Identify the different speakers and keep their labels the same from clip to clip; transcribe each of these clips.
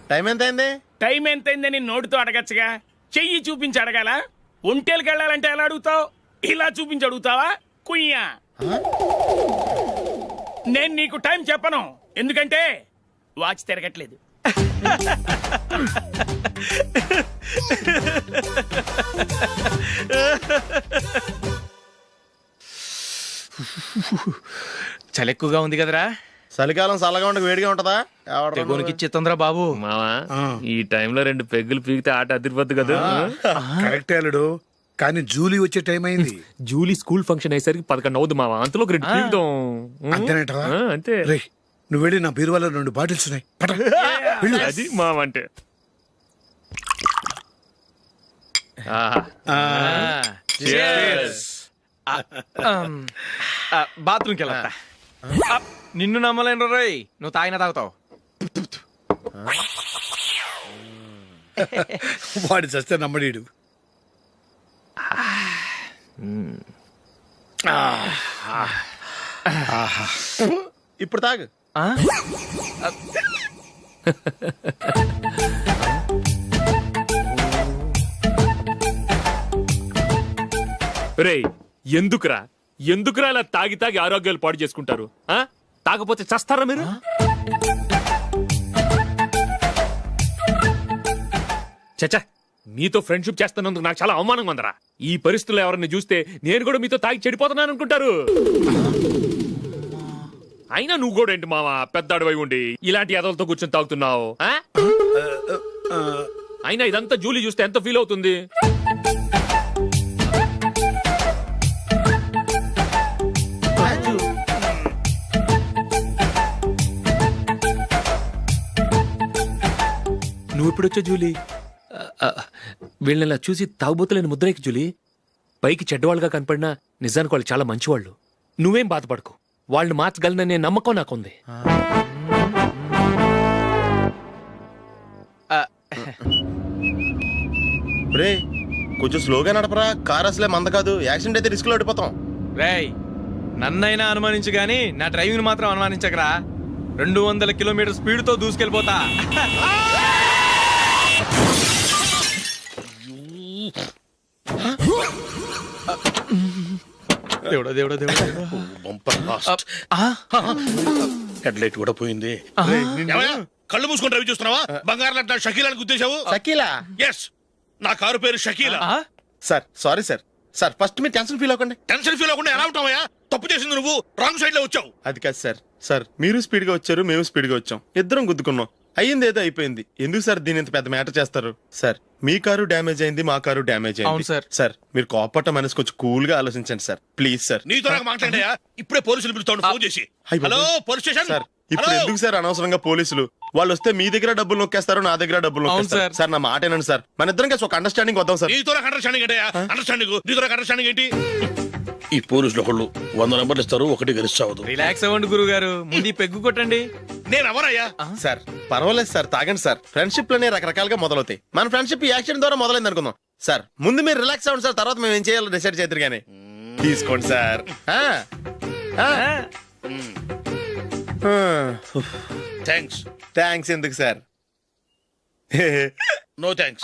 Speaker 1: Time ఎంత అయింది?
Speaker 2: Time ఎంతైందని నోటితో అడగచ్చుగా, చెయ్యి చూపించి అడగాల? ఒంటేలకు వెళ్ళాలంటే ఎలా అడుగుతావు? ఇలా చూపించి అడుగుతావా? కుయ్యా, నేను నీకు టైం చెప్పను, ఎందుకంటే వాచ్ తిరగట్లేదు.
Speaker 3: చలి ఎక్కువగా ఉంది కదరా.
Speaker 1: చలికాలం చల్లగా ఉండక వేడిగా ఉంటదా?
Speaker 3: తెగోనికి ఇచ్చేతుందిరా బాబు.
Speaker 4: మావా ఈ టైంలో 2 పెగ్గులు పీకితే ఆట అదిరిపోద్దు కదా.
Speaker 5: కరెక్ట్ అల్లుడు, కానీ జూలీ వచ్చే టైం అయింది.
Speaker 4: జూలీ స్కూల్ ఫంక్షన్ అయ్యేసరికి 11 అవుద్ది మావా, అంతలో 2 పీకుదాం.
Speaker 5: అంతేనేటవా?
Speaker 4: అంతే.
Speaker 5: రే, నువ్వు వెళ్ళి నా బీరువాలో 2 బాటిల్స్ ఉన్నాయి, పట. వెళ్ళు.
Speaker 4: అది మావా అంటే.
Speaker 3: బాత్రూమ్కి వెళ్ళా. నిన్ను నమ్మలేను రోయ్, నువ్వు తాగినా తాగుతావు.
Speaker 5: వాడి చస్తే నమ్మడీడు.
Speaker 1: ఇప్పుడు తాగు.
Speaker 4: రేయ్, ఎందుకురా ఇలా తాగి ఆరోగ్యాలు పాడు చేసుకుంటారు? తాగపోతే చస్తారా మీరు? చచ్చా, మీతో ఫ్రెండ్షిప్ చేస్తున్నందుకు నాకు చాలా అవమానంగా ఉందరా. ఈ పరిస్థితుల్లో ఎవరిని చూస్తే నేను కూడా మీతో తాగి చెడిపోతున్నాను అనుకుంటారు. అయినా నువ్వు కూడా ఏంటి మావా, పెద్ద అడవై ఉండి ఇలాంటి ఎదలతో కూర్చొని తాగుతున్నావు? అయినా ఇదంతా జూలీ చూస్తే ఎంత ఫీల్ అవుతుంది? నువ్వు ఎప్పుడొచ్చా జూలీ? వీళ్ళని చూసి తాగుబోతులేని ముద్రేకి జూలీ. పైకి చెడ్డవాళ్ళుగా కనపడినా నిజానికి వాళ్ళు చాలా మంచివాళ్ళు. నువ్వేం బాధపడకు, వాళ్ళని మార్చగలననే నమ్మకం నాకుంది.
Speaker 1: రే, కొంచెం స్లోగా నడపరా, కార్ అసలే మంద కాదు. యాక్సిడెంట్ అయితే రిస్క్ లో ఓడిపోతాం.
Speaker 3: రేయ్, నన్నైనా అనుమానించు గాని నా డ్రైవింగ్ మాత్రం అనుమానించకరా. 200 కిలోమీటర్ స్పీడ్ తో దూసుకెళ్ళిపోతా. దేవుడా దేవుడా దేవుడా,
Speaker 5: హెడ్ లైట్ కూడా పోయింది.
Speaker 6: కళ్ళు మూసుకొని రవి చూస్తున్నావా? బంగారం లాంటి షకీలాని గుర్తించావు?
Speaker 1: షకీలా?
Speaker 6: ఎస్, నా కారు పేరు Shakeela.
Speaker 1: Sir sorry sir. Sir first మీరు టెన్షన్ ఫీల్ అవ్వకండి.
Speaker 6: టెన్షన్ ఫీల్ అవ్వకుండా ఎలా ఉంటావయ్యా? తప్పు చేసింది నువ్వు, రాంగ్ సైడ్ లో వచ్చావు.
Speaker 1: అది కాదు సార్. సార్ మీరు స్పీడ్ గా వచ్చారు, మేము స్పీడ్ గా వచ్చాం, ఇద్దరం గుద్దుకున్నాం. అయ్యింది ఏదో అయిపోయింది. ఎందుకు సార్ దీని ఇంత పెద్ద మ్యాటర్ చేస్తారు? సార్ మీ కారు డ్యామేజ్ అయింది, మా కారు డ్యామేజ్ అయింది.
Speaker 3: అవును సార్.
Speaker 1: సార్ మీరు కోపట్ట మనసు కొంచెం కూల్ గా ఆలోచించండి సార్, ప్లీజ్ సార్.
Speaker 6: నీతో నాకు మాట్లాడాయా? ఇప్పుడే పోలీసులు పిలుస్తాను, ఫోన్ చేసి.
Speaker 1: అయ్ బాబోయ్.
Speaker 6: Hello police station.
Speaker 1: సార్ ఇప్పుడు ఎందుకు సార్ అనవసరంగా పోలీసులు? వాళ్ళు వస్తే మీ దగ్గర డబ్బులు నొక్కేస్తారు, నా దగ్గర డబ్బులు నొక్కేస్తారు. సార్ నా మాట ఏనండి సార్, మన ఇద్దరం కలిసి ఒక అండర్స్టాండింగ్ వద్దాం సార్.
Speaker 6: నీతో నాకు అండర్స్టాండింగ్ ఏంటయ్యా? అండర్స్టాండింగ్ నీతో నాకు అండర్స్టాండింగ్ ఏంటి? ఈ పోలీసులు ఒకళ్ళు 100 నెంబర్లు ఇస్తారు, ఒకటి గెలిచావదు.
Speaker 3: రిలాక్స్ అవ్వండి గురువు గారు, ముందు పెగ్గు కొట్టండి.
Speaker 6: నేను ఎవరయ్యా?
Speaker 1: సార్ పర్వాలేదు సార్, తాగండి సార్. ఫ్రెండ్షిప్ లోనే రకరకాలుగా మొదలవుతాయి. మన ఫ్రెండ్షిప్ ఈ యాక్సిడెంట్ ద్వారా మొదలైంది అనుకుందాం. సార్ ముందు మీరు రిలాక్స్ అవ్వండి సార్, తర్వాత మేము ఏం చేయాలో డిసైడ్ చేద్దరు కానీ. తీసుకోండి సార్.
Speaker 6: థ్యాంక్స్.
Speaker 1: థ్యాంక్స్ ఎందుకు సార్?
Speaker 6: No thanks.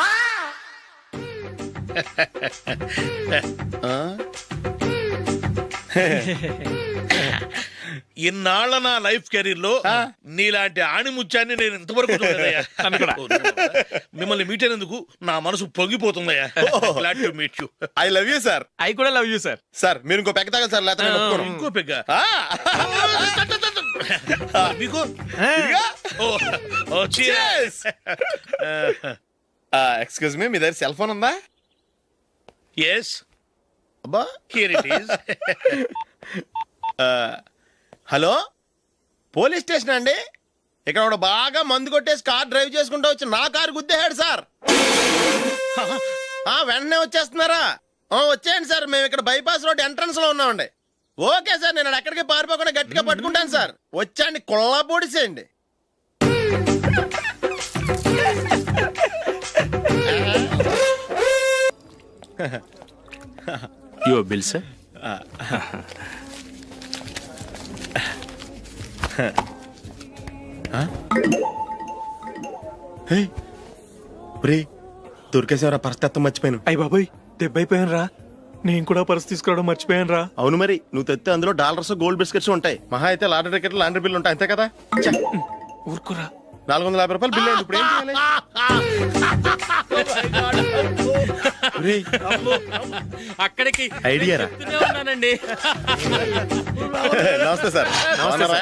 Speaker 6: ఇన్నాళ్ళ నా లైఫ్ కెరీర్ లో నీలాంటి ఆణిముత్యాన్ని నేను ఇంతవరకు చూడలేదయ్యా. మిమ్మల్ని మీట్ అయినందుకు నా మనసు పొంగిపోతుందయ్యా. Glad to meet you.
Speaker 1: I love you sir.
Speaker 3: I కూడా లవ్ యూ సార్.
Speaker 1: సార్ మీరు ఇంకో పెగ్గ తాగండి సార్, లేకపోతే నేను ఒప్పుకోను.
Speaker 6: ఇంకో పెగ్గ మీకు?
Speaker 1: ఎక్స్క్యూజ్ మీ, మీ దగ్గర సెల్ ఫోన్ ఉందా?
Speaker 6: ఎస్,
Speaker 1: అబ్బా
Speaker 6: here it is.
Speaker 1: Hello, police station అండి. ఇక్కడ ఒకడు బాగా మందు కొట్టేసి కార్ డ్రైవ్ చేసుకుంటూ వచ్చి నా కారు గుద్దేశాడు సార్. వెంటనే వచ్చేస్తున్నారా? వచ్చేయండి సార్, మేము ఇక్కడ బైపాస్ రోడ్ ఎంట్రన్స్ లో ఉన్నామండి. ఓకే సార్, నేను ఎక్కడికి పారిపోకుండా గట్టిగా పట్టుకుంటాను సార్. వచ్చాండి, కుళ్ళ పొడిసేయండి.
Speaker 4: Your bill, sir.
Speaker 1: దొరికేసేవరా పరిస్థితి మర్చిపోయాను.
Speaker 3: అయ్య బాబాయ్ దెబ్బైపోయాను రా. నేను కూడా పర్స్ తీసుకురావడం మర్చిపోయాను రా.
Speaker 1: అవును మరి, నువ్వు తెస్తే అందులో డాలర్స్ గోల్డ్ బిస్కెట్స్ ఉంటాయి. మహా అయితే లాటరీ టికెట్ లాండ్రీ బిల్లు ఉంటాయి, అంతే కదా. చ్చ,
Speaker 3: ఊరుకురా.
Speaker 1: 450 రూపాయలు బిల్లు అయింది. ఇప్పుడు ఏం చేయాలి? ఒరేయ్,
Speaker 3: అక్కడికి
Speaker 1: ఐడియా రా.
Speaker 3: ఉన్నానండి.
Speaker 1: నమస్తే సార్. బాగున్నారా?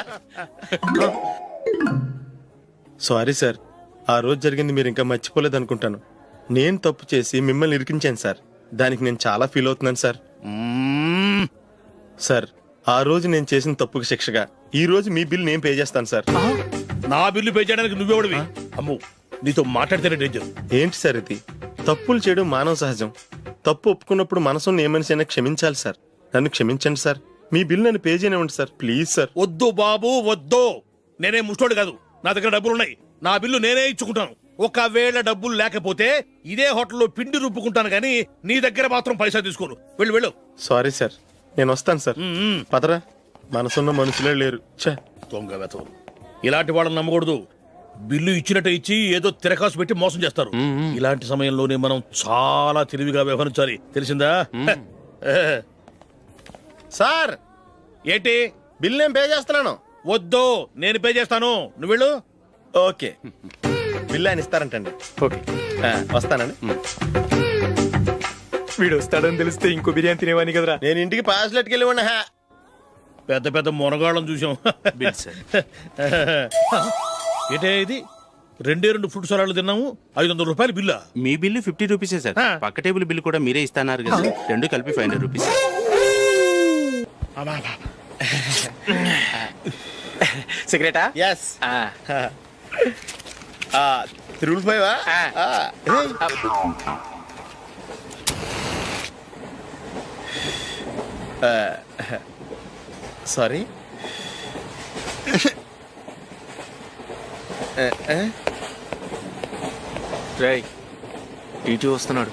Speaker 1: సారీ సార్, ఆ రోజు జరిగింది మీరు ఇంకా మర్చిపోలేదు అనుకుంటాను. నేను తప్పు చేసి మిమ్మల్ని ఇరికించాను సార్. దానికి నేను చాలా ఫీల్ అవుతున్నాను సార్. సార్, ఆ రోజు నేను చేసిన తప్పుకి శిక్షగా ఈ రోజు మీ బిల్ నేను పే చేస్తాను సార్.
Speaker 6: నా బిల్లు పే చేయడానికి నువ్వెవడివి? అమ్మో, నీతో మాట్లాడితేనే డేంజర్.
Speaker 1: ఏంటి సార్ ఇది? తప్పులు చేయడం మానవ సహజం. తప్పు ఒప్పుకున్నప్పుడు మనసుని ఏ మనిషి అయినా క్షమించాలి సార్. నన్ను క్షమించండి సార్. మీ బిల్ నన్ను పే చేయనివ్వండి సార్, ప్లీజ్ సార్.
Speaker 6: వద్దు బాబు వద్దు. నేనే ముష్టోడు కాదు, నా దగ్గర డబ్బులు ఉన్నాయి. నా బిల్లు నేనే ఇచ్చుకుంటాను. ఒకవేళ డబ్బులు లేకపోతే ఇదే హోటల్లో పిండి రుబ్బుకుంటాను కానీ నీ దగ్గర మాత్రం పైసా తీసుకోను. వెళ్ళు వెళ్ళు.
Speaker 1: సారీ సార్, నేను వస్తాను సార్. పదరా, మనసున్న మనుషులే లేరు. ఛే,
Speaker 6: దొంగ వెతవరు. ఇలాంటి వాళ్ళని నమ్మకూడదు. బిల్లు ఇచ్చినట్టు ఇచ్చి ఏదో తిరకాసు పెట్టి మోసం చేస్తారు. ఇలాంటి సమయంలోనే మనం చాలా తెలివిగా వ్యవహరించాలి, తెలిసిందా?
Speaker 1: సార్
Speaker 6: ఏంటి?
Speaker 1: బిల్ నేను పే చేస్తున్నాను.
Speaker 6: వద్దు, నేను పే చేస్తాను. నువ్వు వెళ్ళు.
Speaker 1: ఓకే, బిల్ ఆయన ఇస్తారంటండి.
Speaker 3: ఓకే,
Speaker 1: వస్తానండి.
Speaker 3: వీడు వస్తాడని తెలిస్తే ఇంకో బిర్యానీ తినేవాని కదరా.
Speaker 1: నేను ఇంటికి పాస్లెట్కి వెళ్ళి ఉన్నా.
Speaker 6: పెద్ద పెద్ద మునగాళ్ళం చూసాం. ఏంటే ఇది? 2 ఫ్రూట్ సలాడ్లు తిన్నాము, 500 రూపాయలు బిల్లా?
Speaker 7: మీ బిల్లు 50 రూపీసే సార్. పక్క టేబుల్ బిల్లు కూడా మీరే ఇస్తాన్నారు కదా, రెండు కలిపి 500 రూపీస్.
Speaker 3: సిగరెటా?
Speaker 1: ఎస్. 355 సారీ.
Speaker 4: రేయ్, టీటీ వస్తున్నాడు.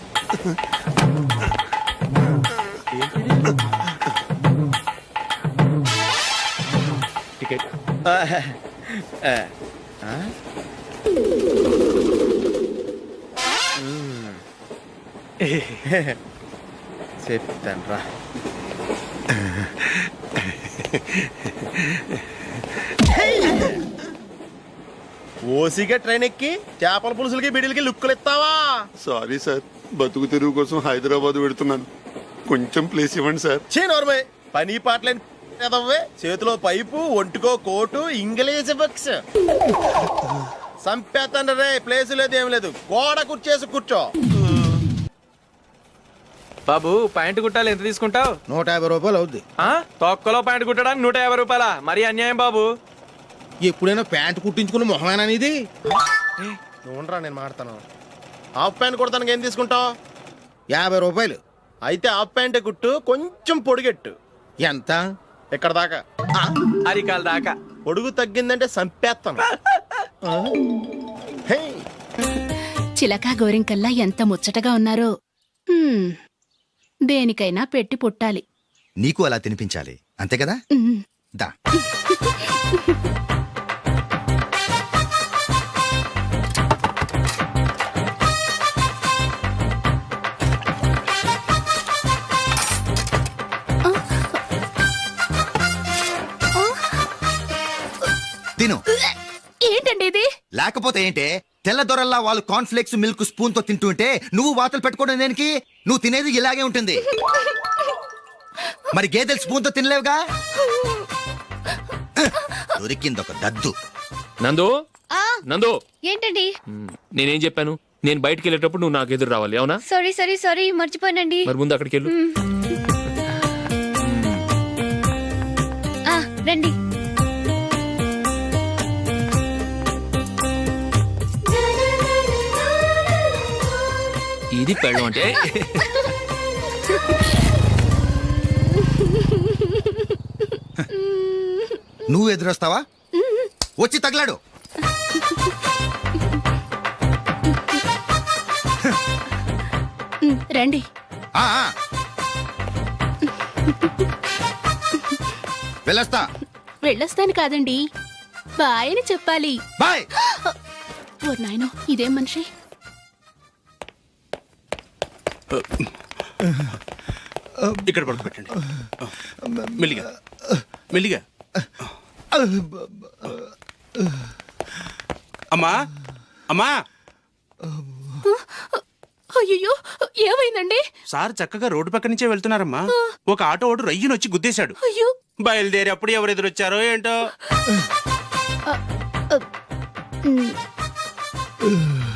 Speaker 4: టికెట్.
Speaker 1: చెప్తాను రా. ఓసిగా ట్రైన్ ఎక్కి చేపల పులుసులకి బిడిలకి లుక్కులు ఇస్తావా?
Speaker 8: సారీ సార్, బతుకు తెరువు కోసం హైదరాబాద్ పెడుతున్నాను. కొంచెం ప్లేస్ ఇవ్వండి సార్.
Speaker 1: చే నోర్మే, పని పాటలేని ఎదవ్వే. చేతిలో పైపు, ఒంటికో కోటు, ఇంగ్లీష్ బుక్స్. సంపేతండ్రి రే, ప్లేస్ లేదు ఏం లేదు. గోడ కుర్చేసి కూర్చో.
Speaker 3: బాబు ప్యాంటు కుట్టాలి, ఎంత తీసుకుంటావు?
Speaker 5: 150 రూపాయలు అవుద్ది.
Speaker 3: తొక్కలో ప్యాంటు కుట్టడానికి 150 రూపాయల? మరి అన్యాయం బాబు.
Speaker 5: ఎప్పుడైనా ప్యాంట్ కుట్టించుకున్న మొహమేనా ఇది?
Speaker 1: నువ్వు ఉండరా, నేను మాడతాను. హాఫ్ ప్యాంట్ కుడతానికి ఏం తీసుకుంటావు?
Speaker 5: 50 రూపాయలు.
Speaker 1: అయితే హాఫ్ ప్యాంటే కుట్టు, కొంచెం పొడిగెట్టు.
Speaker 5: ఎంత?
Speaker 1: ఎక్కడ దాకా?
Speaker 3: అరికాల దాకా.
Speaker 1: పొడుగు తగ్గిందంటే సంపేస్తాను. హే,
Speaker 9: చిలకా గోరింకల్లా ఎంత ముచ్చటగా ఉన్నారో. హ్మ్, దేనికైనా పెట్టి పుట్టాలి.
Speaker 10: నీకు అలా తినిపించాలి, అంతే కదా?
Speaker 9: ఉమ్.
Speaker 10: దా. తిను.
Speaker 9: ఏంటండి ఇది?
Speaker 10: లేకపోతే ఏంటే, తెల్ల దొరల్లా వాళ్ళు కార్న్ఫ్లేక్స్ మిల్క్ స్పూన్ తో తింటుంటే నువ్వు వాతలు పెట్టుకోవడం దేనికి? నువ్వు తినేది ఇలాగే ఉంటుంది. మరి గేదెలు స్పూన్ తో తినలేవుగా. దొరికిందొక దద్దు.
Speaker 4: నందు, నందు,
Speaker 11: ఏంటండి?
Speaker 4: నేనేం చెప్పాను? నేను బయటికి వెళ్ళేటప్పుడు నువ్వు నాకు ఎదురు రావాలి, అవునా?
Speaker 11: సారీ మర్చిపోయానండి.
Speaker 4: మరి ముందు అక్కడికి వెళ్ళు.
Speaker 11: రండి.
Speaker 4: ఇది పెళ్ళం అంటే.
Speaker 10: నువ్వు ఎదురొస్తావా? వచ్చి తగలాడు.
Speaker 9: రండి.
Speaker 10: ఆ, ఆ. వెళ్ళొస్తా.
Speaker 9: వెళ్ళొస్తాను కాదండి, బాయ్ అని చెప్పాలి.
Speaker 10: బాయ్.
Speaker 9: ఓ నాయనో ఇదేం మనిషి.
Speaker 7: ఇక్కడ పడుకోబెట్టండి. మెల్లిగా మెల్లిగా. అమ్మా అమ్మా,
Speaker 9: అయ్యో ఏమైందండి?
Speaker 7: సార్ చక్కగా రోడ్డు పక్క నుంచే వెళ్తున్నారమ్మా. ఒక ఆటో ఓడు రయ్యను వచ్చి గుద్దేశాడు.
Speaker 9: అయ్యో
Speaker 7: బయలుదేరి అప్పుడు ఎవరు ఎదురొచ్చారో ఏంటో.